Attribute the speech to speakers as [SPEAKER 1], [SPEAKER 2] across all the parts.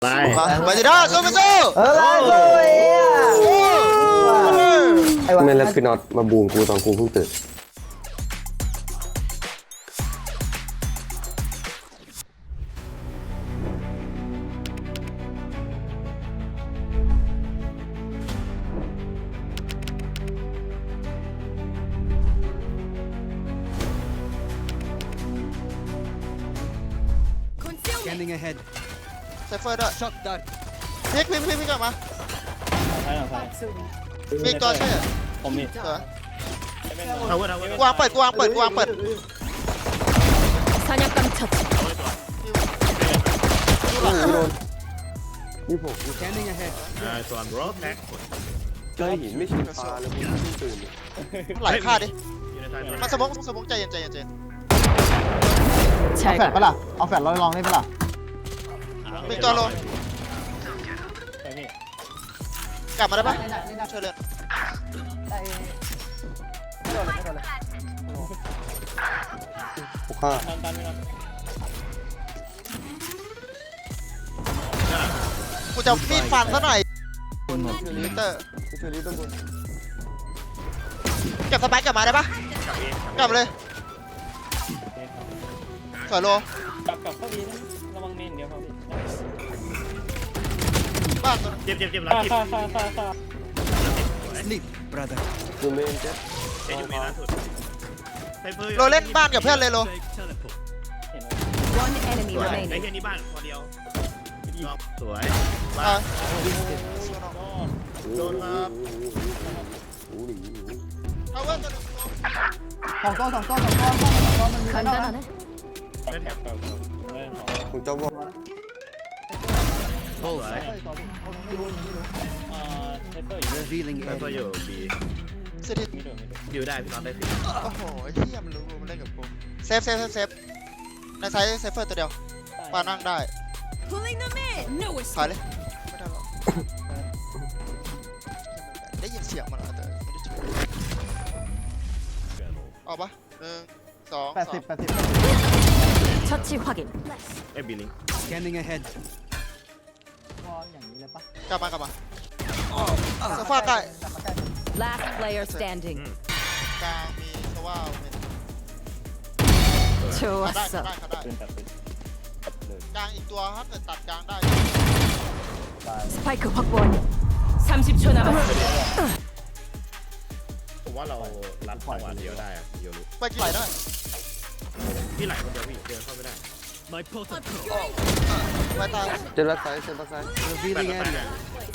[SPEAKER 1] มาสิด้าสู้มาสู้
[SPEAKER 2] ไม่แล้วพี่น็อตมาบูมกูตอนกูเพิ่งตื่น
[SPEAKER 1] ไซเฟอร์ด้วยพลิกกลับมามีตัวช่วย
[SPEAKER 3] ผมมี
[SPEAKER 1] วางเปิด
[SPEAKER 4] 사냥감 처치.
[SPEAKER 2] นี่ผม
[SPEAKER 5] ส่วน bro แท็ก
[SPEAKER 2] เจอหินไม่ใช่ปลาแล้วกูเพิ่งตื่น
[SPEAKER 1] ไหลฆ่าดิ
[SPEAKER 5] อยู่ในท้าย
[SPEAKER 1] มาสมองใจเย็น
[SPEAKER 6] เอา
[SPEAKER 4] 잘
[SPEAKER 6] แฟด
[SPEAKER 4] 가.
[SPEAKER 6] ปะล่ะเอาแฟดเราลองได้ปะล่ะ
[SPEAKER 1] มีตัวโล
[SPEAKER 3] ไปพี่
[SPEAKER 1] กลับมาได้ปะช่วยเลือน
[SPEAKER 2] กูฆ่า
[SPEAKER 3] ตามไม่รับ
[SPEAKER 1] กูจะมีดฟันซะหน่อยลิเตอร์
[SPEAKER 2] ช่วยรีบต้นบน
[SPEAKER 1] เก็บสไปค์กลับมาได้ปะกลับเลยสวยโล
[SPEAKER 3] กลับเข้าดีนะระวังเมนเดี๋ยวเขาพี่
[SPEAKER 1] บ้านตัว
[SPEAKER 5] เจ็บรับผิด
[SPEAKER 3] ฆ่า
[SPEAKER 2] ดูเมนเจ็บ
[SPEAKER 5] เจ็บอยู่ในล่าสุดไซเฟอร์
[SPEAKER 1] โลเล่นบ้านกับเพื่อนเลยโล
[SPEAKER 3] เห็นไหม
[SPEAKER 4] One enemy
[SPEAKER 5] ไอ้
[SPEAKER 4] remaining.
[SPEAKER 5] เฮียนี่บ้านพอเดียวสวย
[SPEAKER 1] อ่า
[SPEAKER 5] โดนครับ
[SPEAKER 1] เอาเว้ยตัวนึง
[SPEAKER 6] สองตัวมันมีไอ้นอกนะ
[SPEAKER 4] 간단하네.
[SPEAKER 3] เล่นแบบเก่าเล่นของ
[SPEAKER 2] มึงจะบอก
[SPEAKER 5] สวย
[SPEAKER 6] ไม่รู้
[SPEAKER 3] เทปเปอร์อยู่
[SPEAKER 5] ไซเฟอร์อยู่บี
[SPEAKER 1] สิทิ
[SPEAKER 3] ไม่โดน
[SPEAKER 5] อยู่ได้พี่น้องได้สิ
[SPEAKER 1] โอ้โหเฮียมันรู้มันเล่นกับกูเซฟในไซส์เซฟเฟอร์ตัวเดียวปานั่งได้
[SPEAKER 4] Pulling them in. No
[SPEAKER 1] ถอยเลยไม่ได้หรอกได้ยินเสียงมันแล้วแต่ไม่ได้ช่วยออกปะ1 2
[SPEAKER 6] 80
[SPEAKER 4] 처치 확인.
[SPEAKER 5] เอ้บีลิง
[SPEAKER 6] วอลอย่างนี้เลยปะ
[SPEAKER 1] กลับมาโซฟาใกล้
[SPEAKER 4] Last player standing.
[SPEAKER 1] กลางมีโซว่าเป็น
[SPEAKER 4] 좋았어.
[SPEAKER 1] ได้
[SPEAKER 3] ปืนตัดปืน
[SPEAKER 1] กลางอีกตัวถ้าเกิดตัดกลางได้
[SPEAKER 4] 스파이크 확보원. 30초 남았어.
[SPEAKER 5] ผมว่าเรารัดจังหวะเดียวได้อะโยรุ
[SPEAKER 1] ไปกี่ไหลได้
[SPEAKER 5] พี่ไหลคนเดียวพี่เดินเข้าไม่ได้
[SPEAKER 1] ไปตาย
[SPEAKER 2] เจ็บรักไซส์เจ็บรักไซส์
[SPEAKER 5] แปดต่อแปด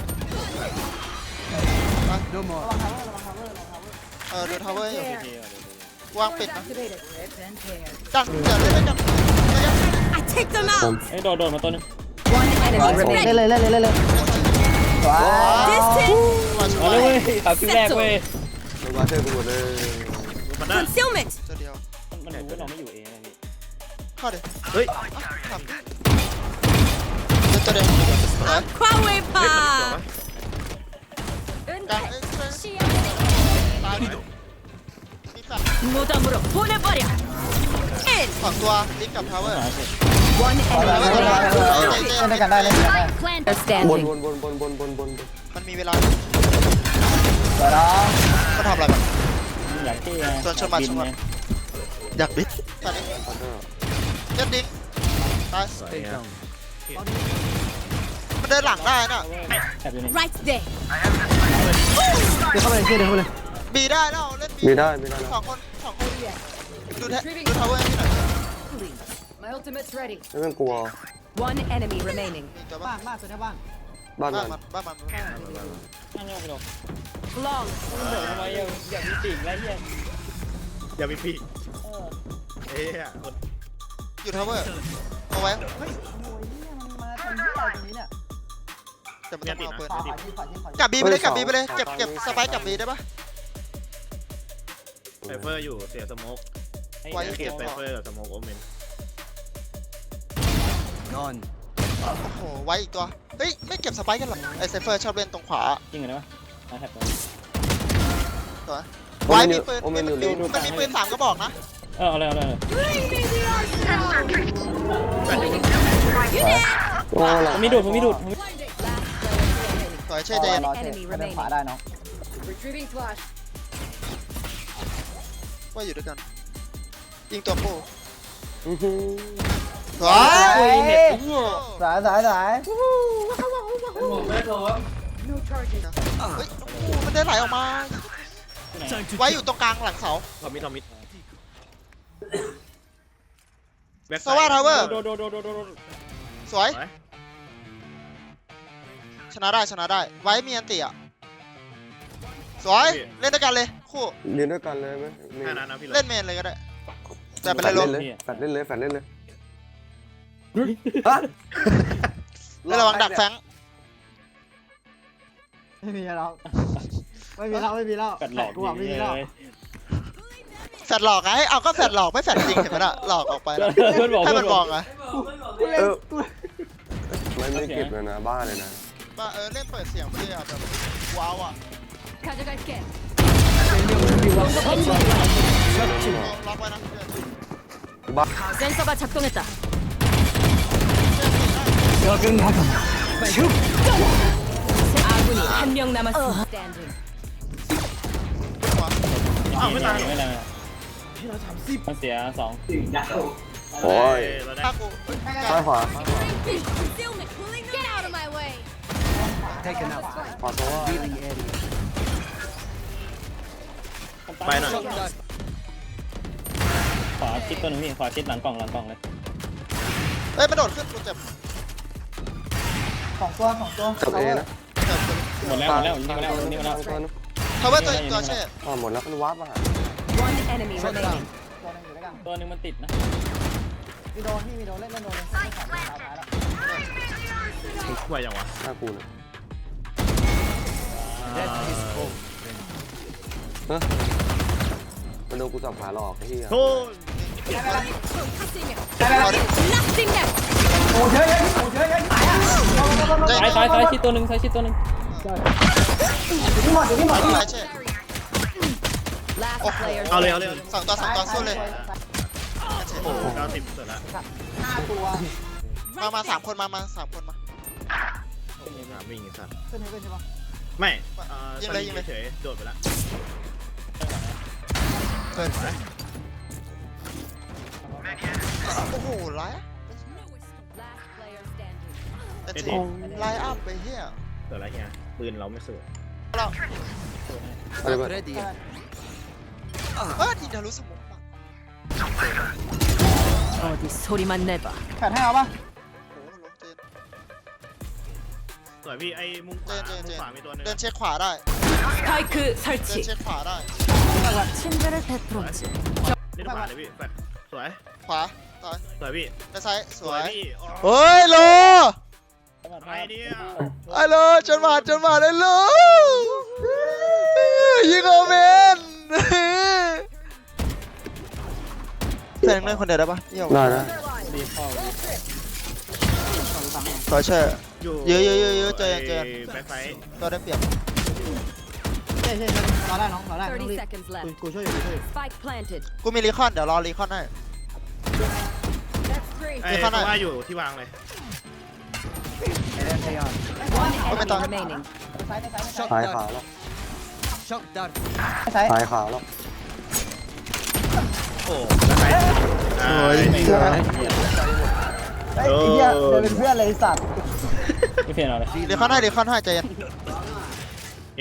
[SPEAKER 1] เดินทาวเวอร์อยู่
[SPEAKER 3] พี่
[SPEAKER 1] วางปิดนะจังเดี๋ยวเล่นกัน
[SPEAKER 4] I take them
[SPEAKER 2] ผม
[SPEAKER 4] out.
[SPEAKER 3] เอ้ยโดนมาตัวนึง
[SPEAKER 4] One enemy
[SPEAKER 6] เล่น
[SPEAKER 4] remaining.
[SPEAKER 6] เลยว้า
[SPEAKER 4] Distance.
[SPEAKER 3] มาเลยเว้ยตัดที่แรกเว้ย
[SPEAKER 2] มึงมาเชื่อกูหมดเลย
[SPEAKER 5] มันได้
[SPEAKER 4] Concealment.
[SPEAKER 1] เดียว
[SPEAKER 3] มันรู้ว่าเราไม่อยู่เองนะพี่
[SPEAKER 1] เข้าดิ
[SPEAKER 5] เฮ้ย
[SPEAKER 1] ทำตัวเดียว
[SPEAKER 4] Aquawepa.
[SPEAKER 1] กลางตายมีแฟลช
[SPEAKER 4] 무덤으로 보내버려. In.
[SPEAKER 1] สองตัวลิงกับทาวเวอร์
[SPEAKER 4] One enemy
[SPEAKER 6] เล่น
[SPEAKER 4] remaining.
[SPEAKER 6] ด้วยกันได้เล่นด้วยกันได้
[SPEAKER 4] Player
[SPEAKER 2] บน
[SPEAKER 4] standing.
[SPEAKER 2] บน
[SPEAKER 1] มันมีเวลา
[SPEAKER 6] เดี๋ยวนะ
[SPEAKER 1] เขาทำอะไรบ้าง
[SPEAKER 3] อยากที่
[SPEAKER 1] ชวนมา
[SPEAKER 3] บินไง
[SPEAKER 1] อยากบิดตอนนี้เล่นดิ้งตาย
[SPEAKER 5] สวยอ่ะ
[SPEAKER 1] มันเดินหลังได้น่ะ
[SPEAKER 3] แอบอยู่นี่
[SPEAKER 4] Right there.
[SPEAKER 6] เดี๋ยวเข้าไปเลยเดี๋ยวเข้าไปเลย
[SPEAKER 1] บีได้แล้วเล่นบี
[SPEAKER 2] ไม่ได้แล้ว
[SPEAKER 1] สองคนดูทาวเวอร์ให้หน่อย
[SPEAKER 4] My ultimate's ready.
[SPEAKER 2] ไม่ต้องกลัว
[SPEAKER 4] One enemy remaining.
[SPEAKER 1] มีตัว
[SPEAKER 6] บ้า
[SPEAKER 1] บ้าง
[SPEAKER 6] บ้านตัวนี้บ้าน
[SPEAKER 2] บ้าน
[SPEAKER 1] บ้า
[SPEAKER 2] มัน น
[SPEAKER 1] บ้าน
[SPEAKER 3] นั่งโยกไปหรอก
[SPEAKER 4] Long.
[SPEAKER 3] มันเดือดทำไมอยากมีปีกไรเงี้ย
[SPEAKER 5] อย่ามีพี่เอ้ยคน
[SPEAKER 1] อยู่ทาวเวอร์เอาไว้
[SPEAKER 6] เฮ้ยโอ้ยเนี่ยมันมาทำที่อะไรตรงนี้เนี่ย
[SPEAKER 1] แต่ไม่ต้องเอาปืน
[SPEAKER 6] ขวาที่ขวาที่ขวา
[SPEAKER 1] กับบีไปเลยเก็บสไปค์กับบีได้ปะ
[SPEAKER 5] ไซเฟอร์อยู่เสียสโมก
[SPEAKER 1] ไว้
[SPEAKER 5] เก็บไซเฟอร์กับสโมกโอเมน
[SPEAKER 1] โอ้โหไว้อีกตัวเฮ้ยไม่เก็บสไปค์กันหรอไอเซฟเฟอร์ชอบเล่นตรงขวา
[SPEAKER 3] จริงเหรอวะมาแท็บ
[SPEAKER 1] ตัวไว้มีปืนมันมีปืน3กระบอกนะ
[SPEAKER 3] เอาเลย
[SPEAKER 5] แปดอยู่
[SPEAKER 2] โอ้หลัง
[SPEAKER 3] ผมมีดูด
[SPEAKER 4] Last player standing.
[SPEAKER 1] สวยเช่เจน
[SPEAKER 6] รอเช็คไม่ได้ขวาได้น้อง
[SPEAKER 4] Retrieving flash.
[SPEAKER 1] ว่าอยู่ด้วยกันยิงตัวปู
[SPEAKER 2] อื้อหือ
[SPEAKER 1] สวย
[SPEAKER 6] สายสาย
[SPEAKER 4] No charges.
[SPEAKER 1] เฮ้ยโอ้โหมันได้ไหลออกมา ไว้อยู่ตรงกลางหลังเสา
[SPEAKER 5] ทอมมิดทอมมิดแบ็ค
[SPEAKER 1] สวัสดีทาวเวอร์
[SPEAKER 3] โดด
[SPEAKER 1] สวย ชนะได้ชนะได้ ไว้มีอันติอ่ะ สวย เล่นด้วยกันเลย คู่
[SPEAKER 2] เรียนด้วยกันเลยไหม
[SPEAKER 5] แค่นั้นนะพี่
[SPEAKER 1] เล่นเมนเลยก็ได้ แต่เป็น
[SPEAKER 2] แฟ
[SPEAKER 1] ไร
[SPEAKER 2] ด
[SPEAKER 1] ล
[SPEAKER 2] เล่
[SPEAKER 1] ง
[SPEAKER 2] นเลยแฟดเล่นเลยแฟดเล่นเลย
[SPEAKER 1] แล้วระวังดักแฟง
[SPEAKER 6] ไม่มีแล้วไม่มีแล้ว
[SPEAKER 3] กัดหลอก
[SPEAKER 6] กูไม่มีแล้ว
[SPEAKER 1] แฟดหลอกไงเอาก็แฟดหลอกไม่แฟดจริงเห็นไหมล่ะหลอกออกไปแล้ว
[SPEAKER 3] เพื่อนบอก
[SPEAKER 1] ให้
[SPEAKER 3] เพื่
[SPEAKER 1] มั
[SPEAKER 3] อน น
[SPEAKER 1] บบ อ
[SPEAKER 3] อก ก
[SPEAKER 1] ไง
[SPEAKER 6] กูเล่นกู
[SPEAKER 2] ไม่เก็บเลยนะบ้าเลยนะ
[SPEAKER 1] ว่าเล่นเปิดเสียงไปเลยอ่ะแบบว้าวอ่ะ
[SPEAKER 4] 가져갈게.
[SPEAKER 1] ล็อกไว้นะ
[SPEAKER 4] 센서가 작동했다. 아군이 한 명 남았습니다. Standing.
[SPEAKER 5] อ้าวไม่ตาย
[SPEAKER 3] ไม่ได้มันเสีย2
[SPEAKER 2] โอ้ย
[SPEAKER 5] เราได้
[SPEAKER 1] ถ้ากู
[SPEAKER 2] ซ้ายขวา
[SPEAKER 4] Get out of my way.
[SPEAKER 2] ขวาตัว
[SPEAKER 5] ไปหน่อย
[SPEAKER 3] ขวาชิดตัวหนึงพี่ขวาชิดหลังกล่องเลย
[SPEAKER 1] เอ้ยมันโดดขึ้นกูเจ็บ
[SPEAKER 6] สองตัว
[SPEAKER 2] กับเอนะ
[SPEAKER 1] เจ็บ
[SPEAKER 3] หมดแล้วยิงมาแล้ว
[SPEAKER 2] ตัวนึง
[SPEAKER 1] ทาวเวอร์ตัวเช่
[SPEAKER 2] หมดแล้วมันวาร์ปมาหา
[SPEAKER 4] One enemy remaining.
[SPEAKER 6] ตัวนึงอยู่ด้วยกัน
[SPEAKER 3] ตัวหนึงมันติดนะ
[SPEAKER 6] มีโดนเล่นโดนเลยท้ายแล้ว
[SPEAKER 5] ไหวยังวะ
[SPEAKER 2] หน้ากูนะมันโดนกูจับขาหลอกไอ้เหี้ย
[SPEAKER 5] โทษ
[SPEAKER 4] Nothing left.
[SPEAKER 6] โอ้เยอะ
[SPEAKER 3] ซ้ายชิดตัวหนึง
[SPEAKER 6] ที่หมด
[SPEAKER 1] ไอ้เช่
[SPEAKER 4] Last player
[SPEAKER 5] เอาเลย
[SPEAKER 4] standing.
[SPEAKER 1] สองตัวสู้เลย
[SPEAKER 5] โอ้โห90เสร็จแล้ว
[SPEAKER 6] 5 ตัว
[SPEAKER 1] มาสามคนมาสามคนมา
[SPEAKER 5] วิ่งอีกสัตว์
[SPEAKER 6] ขึ้นใช่ปะ
[SPEAKER 5] ไม่
[SPEAKER 1] ยิงเลย
[SPEAKER 5] เฉยโดดไปแล้ว
[SPEAKER 1] เกินโอ้โหไลน์
[SPEAKER 4] Last player standing.
[SPEAKER 1] ไอ้เช่ไลน์อัพไปเฮีย
[SPEAKER 5] เกิดอะไรเงี้ยปืนเราไม่สวย
[SPEAKER 1] เรา
[SPEAKER 2] อะไรแบบ
[SPEAKER 1] ทีเดียวรู้สึกมุกปะ
[SPEAKER 4] 어디 소리만 내봐.
[SPEAKER 6] แผดให้เอาปะ
[SPEAKER 1] โอ้โหลงเจน
[SPEAKER 5] สวยพี่ไอ้มุมขวามีตัวนึง
[SPEAKER 1] เดินเช็คขวาได้
[SPEAKER 4] 스파이크
[SPEAKER 1] เดิน
[SPEAKER 4] 설치.
[SPEAKER 1] เช็คขวาได้
[SPEAKER 4] 친절을 베풀었지.
[SPEAKER 5] เล่นขวาเลยพี่แฟดสวย
[SPEAKER 1] ขวาตาย
[SPEAKER 5] สวยพี่
[SPEAKER 1] ด้านซ้ายสวย
[SPEAKER 5] พี่
[SPEAKER 1] เฮ้ยโล
[SPEAKER 5] ไอเดีย
[SPEAKER 1] ไอ้โลจนมาเลยโลยิงโอเมนแฟนเล่นคนเดียวได้ปะเยี่ยม
[SPEAKER 2] ได้นะ
[SPEAKER 3] ดีเข้า
[SPEAKER 1] ต่อเชื่อ เยอะเจอ
[SPEAKER 5] แบ็คไฟ
[SPEAKER 1] ก็ได้เปรียบ
[SPEAKER 6] เช่รอได้น้องรอได้
[SPEAKER 4] 30 seconds left.
[SPEAKER 6] กูช่วยอยู่
[SPEAKER 4] Spike planted.
[SPEAKER 1] กูมีรีคอนเดี๋ยวรอรีคอนให้
[SPEAKER 4] That's three.
[SPEAKER 5] ไอ้ตัวว่าอยู่ที่วางเลย
[SPEAKER 4] One
[SPEAKER 1] Come
[SPEAKER 4] enemy
[SPEAKER 1] on.
[SPEAKER 4] remaining.
[SPEAKER 2] ซ้ายขาแล้ว
[SPEAKER 6] ซ้าย
[SPEAKER 2] ซ้ายขาแล้ว
[SPEAKER 5] โอ้แบ็คไฟ
[SPEAKER 1] โอ้ย
[SPEAKER 6] ไอ้เหี้ยเดินเป็นเพื่อนเลยสัตว์
[SPEAKER 3] ไม่เปลี่ยนเอาเลย
[SPEAKER 1] รีคอนให้ใจเย็น
[SPEAKER 5] เอ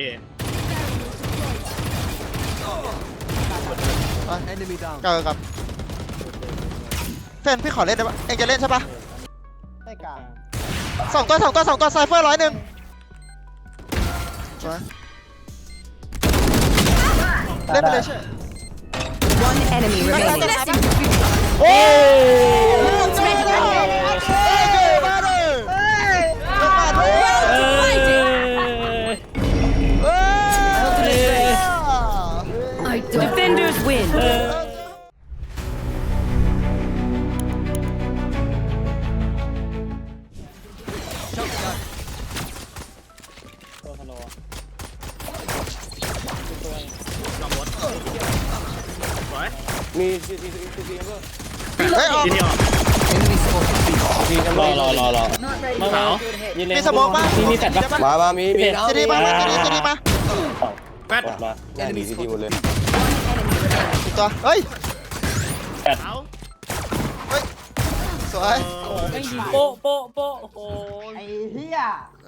[SPEAKER 1] เจอกับแฟนพี่ขอเล่นได้ปะเองจะเล่นใช่ปะ
[SPEAKER 6] ได้กลาง
[SPEAKER 1] สองตัวไซเฟอร์101สวยเล่นไปเลยใช่
[SPEAKER 4] One enemy remaining.
[SPEAKER 1] โอ้
[SPEAKER 4] Defenders win.
[SPEAKER 3] ตัวทะโล
[SPEAKER 5] ลองรถสวย
[SPEAKER 2] มีซีเบอร์
[SPEAKER 1] เฮ้ยออก
[SPEAKER 5] ทีเดียว
[SPEAKER 3] พี่รอมาขาวยืนเลย
[SPEAKER 1] มีสโมองป่ะ
[SPEAKER 3] มีแฟลชป่ะ
[SPEAKER 2] มามีมี
[SPEAKER 1] ซีดีมาซีดีมา
[SPEAKER 5] แป๊ด
[SPEAKER 3] รอ
[SPEAKER 2] ได้ดีดีหมดเลย
[SPEAKER 1] อีกตัวเฮ้ย
[SPEAKER 3] แฟลช
[SPEAKER 5] เอา
[SPEAKER 1] สวย
[SPEAKER 3] โอ้ไม่ยิงโป๊ะโป๊ะโป๊ะโอ้โห
[SPEAKER 6] ไอ้เหี้ย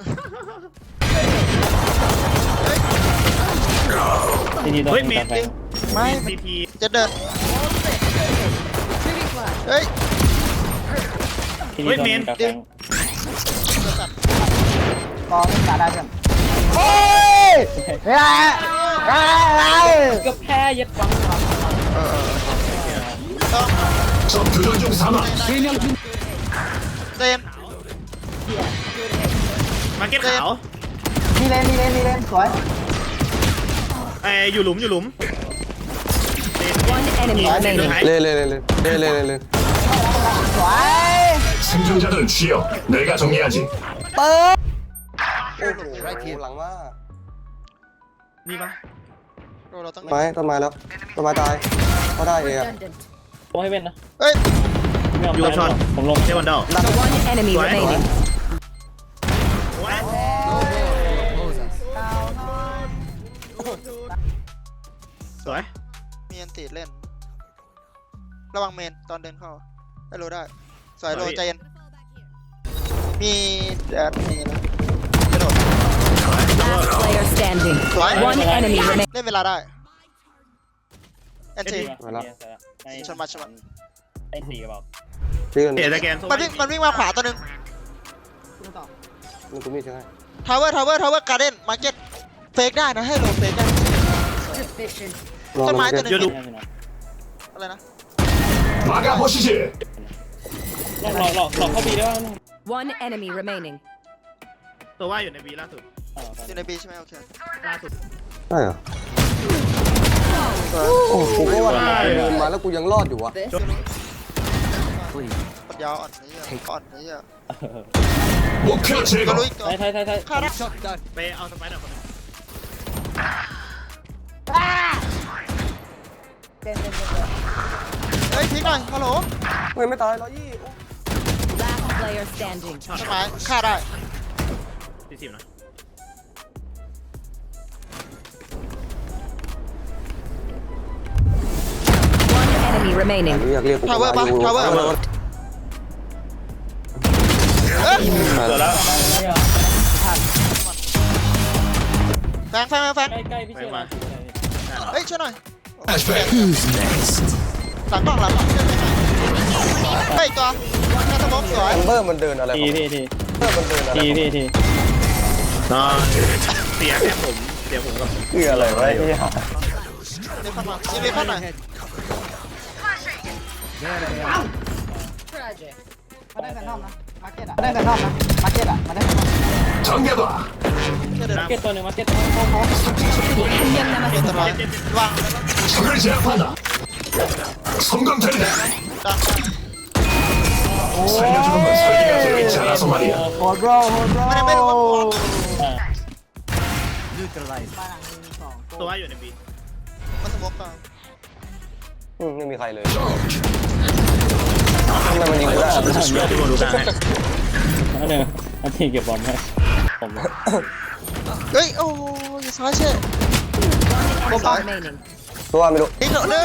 [SPEAKER 3] ทีตัว
[SPEAKER 5] เฮ้ยเมน
[SPEAKER 3] แฟลช
[SPEAKER 1] ไม่
[SPEAKER 5] ซีที
[SPEAKER 1] จะเดินเฮ้ย
[SPEAKER 3] ทีตัวแฟลช
[SPEAKER 6] กองไม่ได้เพื่อนโอ้ยเฮ้ย
[SPEAKER 3] ก็แพ้ยัดฟัง
[SPEAKER 1] ต้อง
[SPEAKER 7] 적 교전 중 사망.
[SPEAKER 1] เจม
[SPEAKER 5] มาเก็ตขาว
[SPEAKER 6] มีเลนสวย
[SPEAKER 5] อยู่หลุม
[SPEAKER 4] One enemy remaining.
[SPEAKER 2] เลย
[SPEAKER 6] สวย
[SPEAKER 7] 생존자들은 쉬어. 내가 정리하지.
[SPEAKER 6] เปิด
[SPEAKER 2] โอ้โหหลังว่า
[SPEAKER 5] นี่ปะ
[SPEAKER 1] เราต้อง
[SPEAKER 2] ไม้ต้นไม้แล้วต้นไม้ตายก็ได้เอง
[SPEAKER 3] โอ้ให้เว้นนะ
[SPEAKER 1] เฮ้ย
[SPEAKER 5] อยู่กับช็อต
[SPEAKER 3] ผมลง
[SPEAKER 5] เทวันเดอร์
[SPEAKER 4] One enemy
[SPEAKER 5] What?
[SPEAKER 4] remaining.
[SPEAKER 5] สวย
[SPEAKER 1] มีอันติเล่น ระวังเมนตอนเดินเข้าให้รู้ได้สวยโรใจเย็นมีมีนะกระโดด
[SPEAKER 4] Last player standing.
[SPEAKER 1] สวย
[SPEAKER 4] One enemy remaining.
[SPEAKER 1] เล่นเวลาได้แอนตี ชนมา
[SPEAKER 3] ไอ้สี่กระบอก
[SPEAKER 2] ชื่อ
[SPEAKER 5] เตะตะแกน
[SPEAKER 1] มันวิ่งมาขวาตัวหนึง
[SPEAKER 2] มันกูมีใช่ไหม
[SPEAKER 1] ทาวเวอร์การ์เด้นมาร์เก็ตเฟกได้นะให้โลเฟกได้ต้นไม้ตัวหนึงอะไรนะ
[SPEAKER 7] 막아 보시지.
[SPEAKER 3] หลอกเข้าบีได้ป่ะ
[SPEAKER 4] One enemy remaining.
[SPEAKER 5] ตัวว่าอยู่ในบีล่าสุด
[SPEAKER 1] อยู่ในบีใช่ไหมโอเค
[SPEAKER 5] ล่าสุด
[SPEAKER 2] ได้เหรอโอ้กูก็ว่าเดินมาแล้วกูยังรอดอยู่วะ
[SPEAKER 1] ปัญญาอ่อนนี่อ่อนนี่อ่ะ
[SPEAKER 7] 목표
[SPEAKER 1] ก็
[SPEAKER 7] 제거.
[SPEAKER 1] รู้อีกตัว
[SPEAKER 3] ไทย
[SPEAKER 1] ฆ่าได้
[SPEAKER 5] ไปเอาสไปเดอร์คนนึง
[SPEAKER 1] เฮ้ยทิ้งหน่อยฮัลโหล
[SPEAKER 2] ไม่ตาย120
[SPEAKER 4] Last player standing.
[SPEAKER 1] ต้นไม้ฆ่าได้
[SPEAKER 5] 40นะ
[SPEAKER 4] One enemy remaining.
[SPEAKER 2] อยากเรียกกู
[SPEAKER 1] ทาวเวอร์ปะทาวเวอร์
[SPEAKER 2] เออ
[SPEAKER 3] เจอแล้ว
[SPEAKER 1] แฟง
[SPEAKER 3] ใกล้พี่เชื่อมา
[SPEAKER 1] เฮ้ยช่วยหน่อย
[SPEAKER 7] flashback.
[SPEAKER 1] หลังกล้องเฮ้ยตัวน่าจะมกสวย
[SPEAKER 2] แอมเบอร์มันเดินอะไร
[SPEAKER 3] ที
[SPEAKER 2] แอมเบอร์มันเดินอะไร
[SPEAKER 3] ที
[SPEAKER 5] เสียแค่ผมกับ
[SPEAKER 2] คืออะไรวะไอ้เนี่ย
[SPEAKER 1] เดี๋ยวเข้ามายิงไปเข้าหน่อย
[SPEAKER 6] มาได้แฟนทอมนะมาร์เก็ตอ่ะมาได้แฟนทอมนะมาร์เก็ตอ่ะมาได้แฟนทอม
[SPEAKER 7] 정해봐.
[SPEAKER 1] เดี๋ยว
[SPEAKER 3] มาเก็ตตัวหนึ่งมาเก็ต
[SPEAKER 1] ตัววางวาง
[SPEAKER 7] 적을 제압한다. 성광탄이다.
[SPEAKER 1] ดัง
[SPEAKER 7] 살려주는 건 설계가 되어 있지 않아서 말이야.
[SPEAKER 6] โหดโรโหดโร
[SPEAKER 1] ไม่รู้ว่า
[SPEAKER 5] ตัวว่าอยู่ในบี
[SPEAKER 1] มันสมกเปล่า
[SPEAKER 2] ไม่มีใครเลยทำไมมันยิงกูได้
[SPEAKER 5] ที่บอลดูได้
[SPEAKER 3] อันหนึ่งอันที่เก็บบอลให้ผม
[SPEAKER 1] เฮ้ยโอ้ยซ้ายเช่
[SPEAKER 4] Enemy remaining.
[SPEAKER 2] ตัวไม่รู้
[SPEAKER 1] ดิ้งเดิน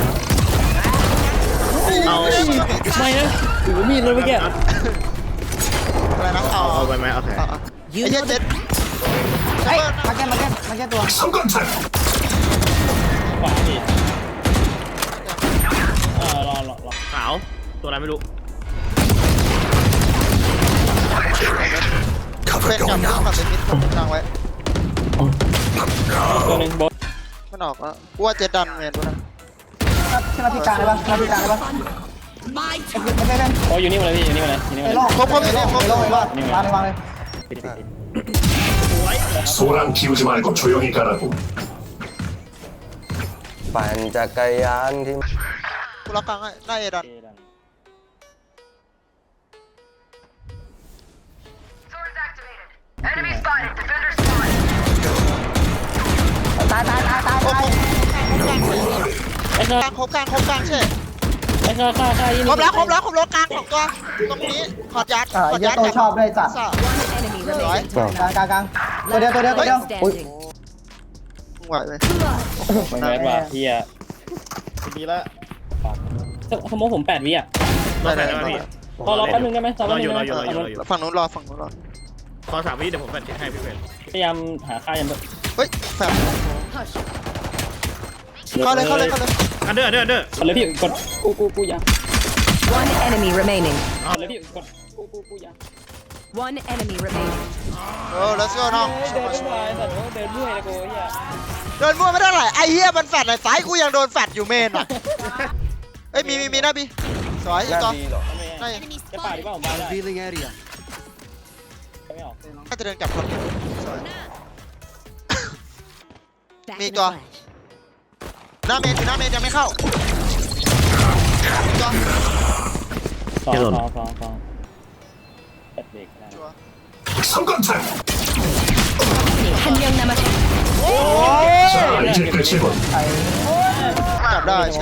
[SPEAKER 5] เอา
[SPEAKER 3] ไม่นะถือมีดเลยเมื่อกี้
[SPEAKER 1] อะไรนะเอา
[SPEAKER 5] เอาไปไหมโอเค
[SPEAKER 1] ไอ้เจ็ดเจ็ด
[SPEAKER 6] เฮ้ยมาร์เก็ตตัว
[SPEAKER 7] 성광탄.
[SPEAKER 3] ขวาดิรอ
[SPEAKER 5] ขาวตัวอะไรไม่รู้
[SPEAKER 1] เป็นกับกับเป็นมิดตั้งไว้
[SPEAKER 3] ตัวหนึ่งบอล
[SPEAKER 1] มันออกแล้วกูว่าเจ็ดดันเมนดูนะ
[SPEAKER 6] ใช่ไหมพี่กลางได้ปะใช่ไหมพี่กลางได้ปะไม่เป็น
[SPEAKER 3] โอ้อยู่นี่มาเลยพี่อยู่นี่มาเลยอยู่นี่
[SPEAKER 6] ไอ้
[SPEAKER 3] มา
[SPEAKER 6] โล่
[SPEAKER 3] เลย
[SPEAKER 6] ไอ้โล่วางเลย
[SPEAKER 7] 소란 피우지 말고 조용히 가라고.
[SPEAKER 2] ปั่นจักรยานที่
[SPEAKER 1] กูล็อกกลางให้หน้าเอดัน
[SPEAKER 6] ตาย
[SPEAKER 1] โอ้โห
[SPEAKER 3] ไอ้
[SPEAKER 1] กลางครบกลางใช่
[SPEAKER 3] ไอ้ค่ายี่
[SPEAKER 1] ครบแล้วกลางของตัวตรงนี้ขอดยัด
[SPEAKER 6] ไอ้เหี้ยโตชอบด้วยจัด
[SPEAKER 4] One enemy remaining.
[SPEAKER 6] กลางตัวเดียว
[SPEAKER 4] Last player standing.
[SPEAKER 1] ไหวไหม
[SPEAKER 3] มันแมสว่ะเฮีย
[SPEAKER 5] ดีแล้ว
[SPEAKER 3] สมมติผม8 วิอ่ะ
[SPEAKER 5] รอแฟนได้ไหมพี่
[SPEAKER 3] รอแป๊บนึงได้ไหมรอแป๊บนึงได้ไหม
[SPEAKER 1] ฝั่งนู้นรอ
[SPEAKER 5] ขอ3 วิเดี๋ยวผมแฟนเช็คให้พี่เฟรน
[SPEAKER 3] พยายามหาค่ายัน
[SPEAKER 1] เฮ้ยแฟบเข้าเลย
[SPEAKER 5] อันเดอร์
[SPEAKER 3] กดเลยพี่กดกูยัง
[SPEAKER 4] One enemy remaining.
[SPEAKER 3] กดเลยพี่กดกูยัง
[SPEAKER 4] One enemy remaining.
[SPEAKER 1] โอ้ let's go น้อง
[SPEAKER 3] เดินไม่ไหวแต่เดินเมื่อยนะกูเฮีย
[SPEAKER 1] เดินมั่วไม่ได้หรอไอ้เหี้ยมันแฟดไหนซ้ายกูยังโดนแฟดอยู่เมนอ่ะเอ้ยมีนะพี่สวยอีกตัว
[SPEAKER 3] ไม่
[SPEAKER 1] น่า
[SPEAKER 3] จะป่าดีป่ะผมมาได้ไม่ออก
[SPEAKER 1] จะเดินกลับคนสวย
[SPEAKER 4] Back
[SPEAKER 1] Me
[SPEAKER 4] in a
[SPEAKER 1] go.
[SPEAKER 4] flash.
[SPEAKER 1] หน้าเมนยังไม่เข้าตัว
[SPEAKER 3] สองเปิดเบรกได้
[SPEAKER 1] ชัวร์
[SPEAKER 7] 성광탄.
[SPEAKER 4] 한 명 남았습니다.
[SPEAKER 7] 자, 이제 끝이군.
[SPEAKER 1] กลับได้ใช่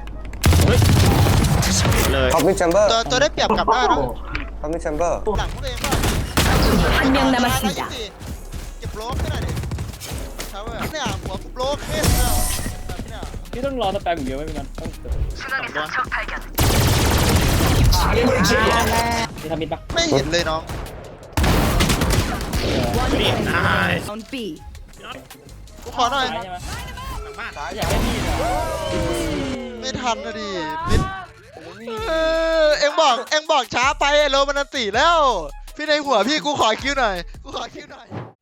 [SPEAKER 5] เลย
[SPEAKER 2] ท็อปมิดแชมเบอร์
[SPEAKER 1] ตัวได้เปรียบกลับได้นะ
[SPEAKER 2] ท็อปมิดแชมเบอร์
[SPEAKER 1] หลังพวกเองป่ะ
[SPEAKER 4] 한 명 남았습니다.
[SPEAKER 1] เก็บโบล็อกให้หน่อยดิเช้าเนี่ยหัวกูโบล็อกเนี่ยเนี่ย
[SPEAKER 3] พี่ต้องรอสแปมอย่างเดียวไม่เป็นไรต้อง
[SPEAKER 7] 상임을 제외.
[SPEAKER 3] มีทำมิดปะ
[SPEAKER 1] ไม่เห็นเลยน้อง
[SPEAKER 4] One
[SPEAKER 5] นี่
[SPEAKER 4] enemy
[SPEAKER 5] นาย
[SPEAKER 4] on B.
[SPEAKER 1] กูขอหน่อย
[SPEAKER 3] ใช่ไหม
[SPEAKER 5] บ้าน
[SPEAKER 3] อยากให้พี่เหรอ
[SPEAKER 1] ไม่ทันนะดินิดเอ็งบอกช้าไปไอ้โรมันตีแล้ว พี่ในหัวพี่กูขอคิวหน่อย